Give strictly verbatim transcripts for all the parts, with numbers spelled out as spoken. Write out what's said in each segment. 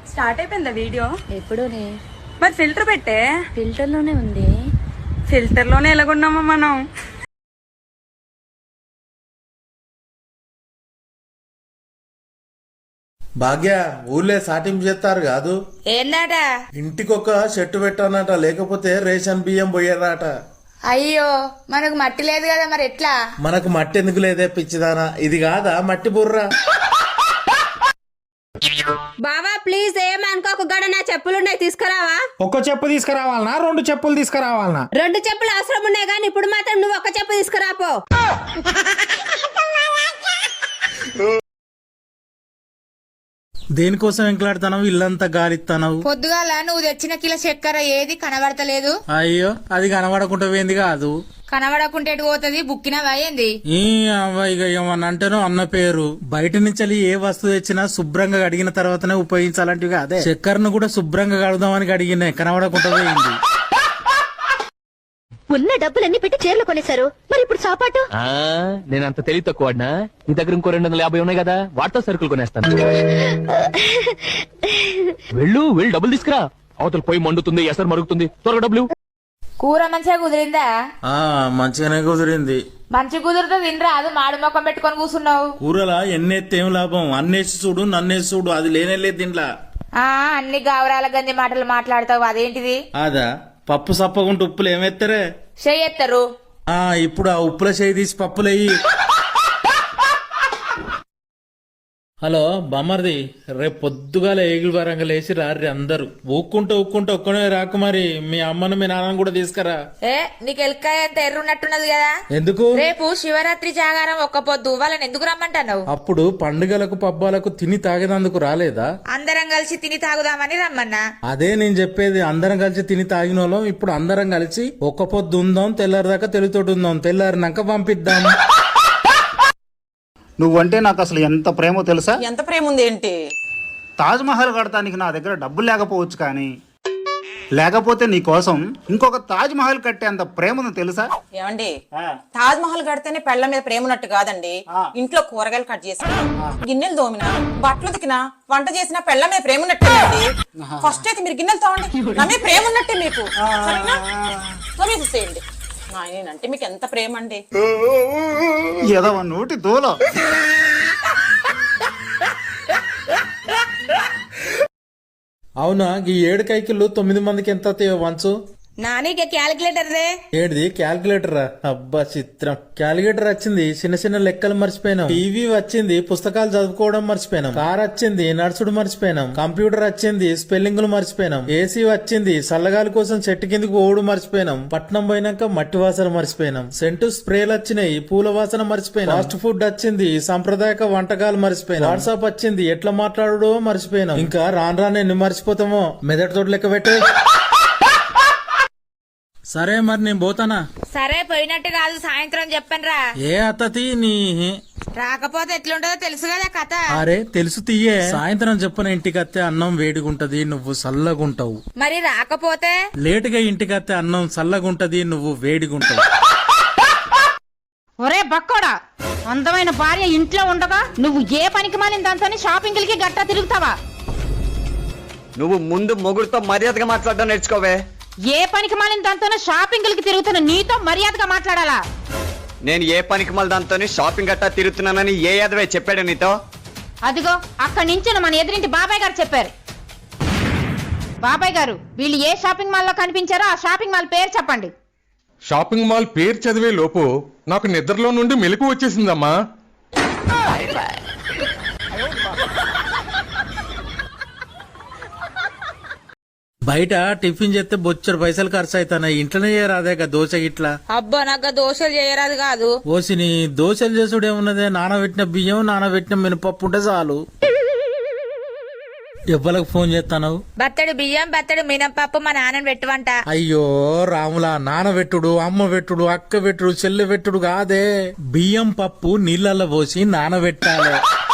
Start అయిపోయిందా video? ఎప్పుడోనే. మరి filter పెట్టే. ఫిల్టర్ లోనే ఉంది. ఫిల్టర్ లోనే ఎలాగున్నామా మనం? భాగ్య ఊళ్ళే సాటింపు చేస్తారు కాదు, ఏందట? ఇంటికొక చెట్టు పెట్టానట, లేకపోతే రేషన్ బియ్యం పోయారట. అయ్యో మనకు మట్టి లేదు కదా, మరి ఎట్లా? మనకు మట్టి ఎందుకు లేదే పిచ్చిదానా, ఇది కాదా మట్టి బుర్ర. బావా ప్లీజ్ ఏమనుకోకు, గడ నా చెప్పులున్నాయి తీసుకురావా? ఒక్క చెప్పు తీసుకురావాలనా రెండు చెప్పులు తీసుకురావాలనా? రెండు చెప్పులు అవసరం ఉన్నాయి కానీ ఇప్పుడు మాత్రం నువ్వు ఒక్క చెప్పు తీసుకురాపో. దేనికోసం ఎంకలాడుతున్నావు, ఇల్లంతా గాలిస్తున్నావు. పొద్దుగాల నువ్వు తెచ్చిన కిలో చక్కెర ఏది కనబడతలేదు. అయ్యో అది కనబడకుండా పోయింది కాదు. కనబడకుంటే ఎటు పోతుంది, బుక్కినవా ఏంది? ఈ అవ్వ ఇక ఏమన్నా అంటేనో అన్న పేరు. బయట నుంచి ఏ వస్తువు తెచ్చినా శుభ్రంగా కడిగిన తర్వాతనే ఉపయోగించాలంటివి. అదే చక్కెరను కూడా శుభ్రంగా కడుగుదామని కడిగినాయి, కనబడకుండా పోయింది. ఉన్న డబ్బులన్నీ పెట్టి చీరలు కొనేశారు, మరి ఇప్పుడు సాపాటు? నేనంత తెలివి తక్కువ వాడినా? నీ దగ్గర ఇంకో రెండు వందల యాభై ఉన్నాయి కదా, వాటితో సరుకులు కొనేస్తాను. వెళ్ళు వెళ్ళి డబ్బులు తీసుకురా, అవతల పోయి మండుతుంది, ఎసరు మరుగుతుంది, త్వరగా డబ్బులు. కూర మంచిగా కుదిరిందా? ఆ మంచిగానే కుదిరింది. మంచి కుదిరితే తినరా, అది మాడు మొక్కం పెట్టుకొని కూర్చున్నావు. కూరలా ఎన్నేస్తే ఏం లాభం, అన్నేసి చూడు నన్నేసి చూడు, అది లేనే లేదు దీంట్లో. ఆ అన్ని గావరాల గంది మాటలు మాట్లాడతావు, అదేంటిది? అదా పప్పు సప్పగుంటే ఉప్పులు ఏమెత్తరే? చెయ్యెత్తరు. ఆ ఇప్పుడు ఆ ఉప్పుల చేయి తీసి పప్పులయ్యి. హలో బామ్మర్ది, రేపు పొద్దుగాల ఏగులు వరంగా లేచి రారి అందరు. ఊక్కుంటూ ఊక్కుంటూ ఒక్కనే రాకు, మరి మీ అమ్మను మీ నాన్నను కూడా తీసుకురా. ఏ నీకు ఎల్కాయ అంత ఎర్రున్నట్టున్నది కదా, ఎందుకు? రేపు శివరాత్రి జాగారం ఒక్క పొద్దు, వాళ్ళని ఎందుకు రమ్మంటున్నావు? అప్పుడు పండుగలకు పబ్బాలకు తిని తాగేదందుకు రాలేదా? అందరం కలిసి తిని తాగుదామని రమ్మన్నా. అదే నేను చెప్పేది, అందరం కలిసి తిని తాగిన వాళ్ళం ఇప్పుడు అందరం కలిసి ఒక్క పొద్దు ఉందాం, తెల్లారిదాకా తెలుతోటి ఉందాం, తెల్లారినాక పంపిద్దాం. నువ్వంటే నాకు అసలు ఎంత ప్రేమో తెలుసా? ఎంత ప్రేమ ఉంది ఏంటి? తాజ్ మహల్ కడతానికి నా దగ్గర డబ్బులు లేకపోవచ్చు, కానీ లేకపోతే నీ కోసం ఇంకొక తాజ్ మహల్ కట్టేంత ప్రేమ ఉంది తెలుసా? ఏమండి, తాజ్ మహల్ కడితేనే పెళ్ల మీద ప్రేమ ఉన్నట్టు కాదండి. ఇంట్లో కూరగాయలు కట్ చేసినా, గిన్నెలు దోమినా, బట్టలు ఉతికినా, వంట చేసినా పెళ్ల మీద ప్రేమ ఉన్నట్టేనండి. ఫస్ట్ అయితే మీరు గిన్నెలు తోమండి, నా మీద ప్రేమ ఉన్నట్టే మీకు. తోమేసేయండి. అంటే మీకు ఎంత ప్రేమ అండి. ఏదో నోటి దూల. అవునా, ఈ ఏడు కైకిళ్ళు తొమ్మిది మందికి ఎంత వంచు? నానీకే క్యాలిక్యులేటర్ రే. ఏడిది క్యాల్కులేటరా? అబ్బా చిత్రం. క్యాలిక్యులేటర్ వచ్చింది, చిన్న చిన్న లెక్కలు మర్చిపోయినాం. టీవీ వచ్చింది, పుస్తకాలు చదువుకోవడం మర్చిపోయినాం. కార్ వచ్చింది, నడుచుడు మర్చిపోయినాం. కంప్యూటర్ వచ్చింది, స్పెల్లింగ్లు మర్చిపోయినాం. ఏసీ వచ్చింది, చల్లగాలి కోసం చెట్టు కిందకి ఓడు మర్చిపోయినాం. పట్నం పోయినాక మట్టి వాసన మర్చిపోయినాం. సెంటు స్ప్రేలు వచ్చినాయి, పూల వాసన మర్చిపోయినాం. ఫాస్ట్ ఫుడ్ వచ్చింది, సాంప్రదాయక వంటకాలు మర్చిపోయినాం. వాట్సాప్ వచ్చింది, ఎట్లా మాట్లాడడో మర్చిపోయినాం. ఇంకా రాను రాను ఎన్ని మర్చిపోతామో, మెదడు తోటి లెక్క పెట్టే. సరే మరి నేను పోతానా? సరే పోయినట్టు కాదు, సాయంత్రం చెప్పనురా. ఏ అత్తతి నీ రాకపోతే ఎట్లుంటదో తెలుసు కదా కథ. అరే తెలుసు తీయే. సాయంత్రం చెప్పన ఇంటికత్తే అన్నం వేడిగుంటది, నువ్వు చల్లగుంటావు. మరి రాకపోతే? లేటుగా ఇంటికత్తే అన్నం చల్లగుంటది, నువ్వు వేడిగుంటావు. ఒరే బక్కోడా, అందమైన భార్య ఇంట్లో ఉండగా నువ్వు ఏ పనికి మాలిన దాంతో షాపింగ్లకి గట్టా తిరుగుతావా? నువ్వు ముందు మొగుడుతో మర్యాదగా మాట్లాడడం నేర్చుకోవే. ఏ పనికి మాలిన దాంతో షాపింగ్లకి తిరుగుతున్న నీతో మర్యాదగా మాట్లాడాలా? నేను ఏ పనికి మళ్ళీ దాంతో షాపింగ్ గట్టా తిరుగుతున్నానని ఏ యాదవే చెప్పాడు నీతో? అదిగో అక్కడి నుంచి మన ఎదురింటి బాబాయ్ గారు చెప్పారు. బాబాయ్ గారు, వీళ్ళు ఏ షాపింగ్ మాల్ లో కనిపించారో ఆ షాపింగ్ మాల్ పేరు చెప్పండి. షాపింగ్ మాల్ పేరు చదివే లోపు నాకు నిద్రలో నుండి మెలకు వచ్చేసిందమ్మా. బయట టిఫిన్ చేస్తే బొచ్చడు పైసలు ఖర్చు అవుతాయి, ఇంట్లోనే చేయరాదే దోశ గిట్లా. అబ్బా నాకు దోశలు చేయరాదు కాదు. ఓసిని దోశలు చేసుడు ఏమున్నదే, నానబెట్టిన బియ్యం నానబెట్టిన మినపప్పు ఉంటే చాలు. ఎవ్వలకు ఫోన్ చేస్తాను? బత్తడి బియ్యం బత్తడి మినపప్పు మా నాన్నని పెట్టువంట. అయ్యో రాములా, నానబెట్టుడు, అమ్మ పెట్టుడు, అక్క పెట్టుడు, చెల్లె పెట్టుడు కాదే. బియ్యం పప్పు నీళ్ళల్లో పోసి నానబెట్టాలి.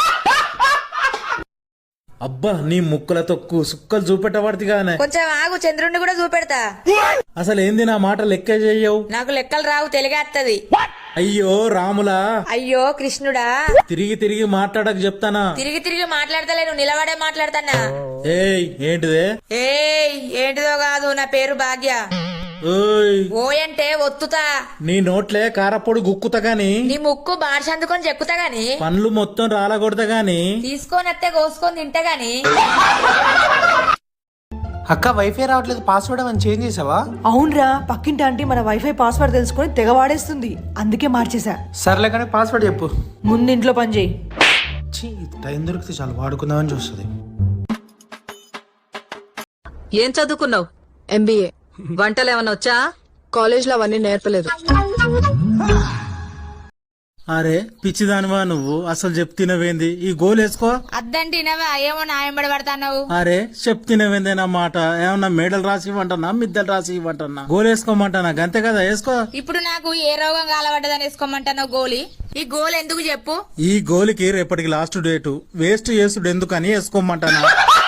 అబ్బా నీ ముక్కల తొక్కు సుక్కలు చూపెట్టబడిగానే. కొంచెం ఆగు, చంద్రుడిని కూడా చూపెడతా. అసలు ఏంది నా మాట లెక్క చెయ్యవు? నాకు లెక్కలు రావు, తెలిగేత్తది. అయ్యో రాములా, అయ్యో కృష్ణుడా, తిరిగి తిరిగి మాట్లాడక చెప్తానా. తిరిగి తిరిగి మాట్లాడతలేను, నిలబడే మాట్లాడతానా. ఏయ్ ఏంటిదే? ఏయ్ ఏంటిదో కాదు, నా పేరు భాగ్య. ఓయ్ ఓ అంటే ఒత్తుతా, నీ నోట్లే కారపొడి గుక్కుతా గాని, నీ ముక్కు బార్ష అందుకొని చెక్కుతా గాని, పండ్లు మొత్తం రాలగొడతా గాని. తీసుకొని అత్తే కోసుకొని తింటా గాని. అక్క వైఫై రావట్లేదు, పాస్వర్డ్ అని చేంజ్ చేసావా? అవునరా, పక్కింటి ఆంటీ మన వైఫై పాస్వర్డ్ తెలుసుకొని తెగ వాడేస్తుంది, అందుకే మార్చేసా. సర్లే కానీ పాస్వర్డ్ చెప్పు. ముందు ఇంట్లో పని చేయి. ఛీ, టైం దొరికితే చాలు వాడుకుందామని చూస్తుంది. ఏం చదువుకున్నావు? ఎంబీఏ. వంటలు ఏమన్నా వచ్చా? కాలేజ్ లో అవన్నీ నేర్పలేదు. అరే పిచ్చిదానివా నువ్వు, అసలు చెప్తినవేంది? ఈ గోలు వేసుకో. అద్దంటినవా ఏమో నాయంబడి పడతావు. అరే చెప్తినవేందే నా మాట? ఏమన్నా మేడలు రాసి ఇవ్వంటన్నా, మిద్దలు రాసి ఇవ్వంటన్నా, గోలు వేసుకోమంటానా? గంతే కదా, వేసుకో. ఇప్పుడు నాకు ఏ రోగం కాలబడ్డదని వేసుకోమంటావు గోలి? ఈ గోల్ ఎందుకు చెప్పు? ఈ గోలికి రేపటికి లాస్ట్ డేటు, వేస్ట్ చేసుడు ఎందుకని వేసుకోమంటానా.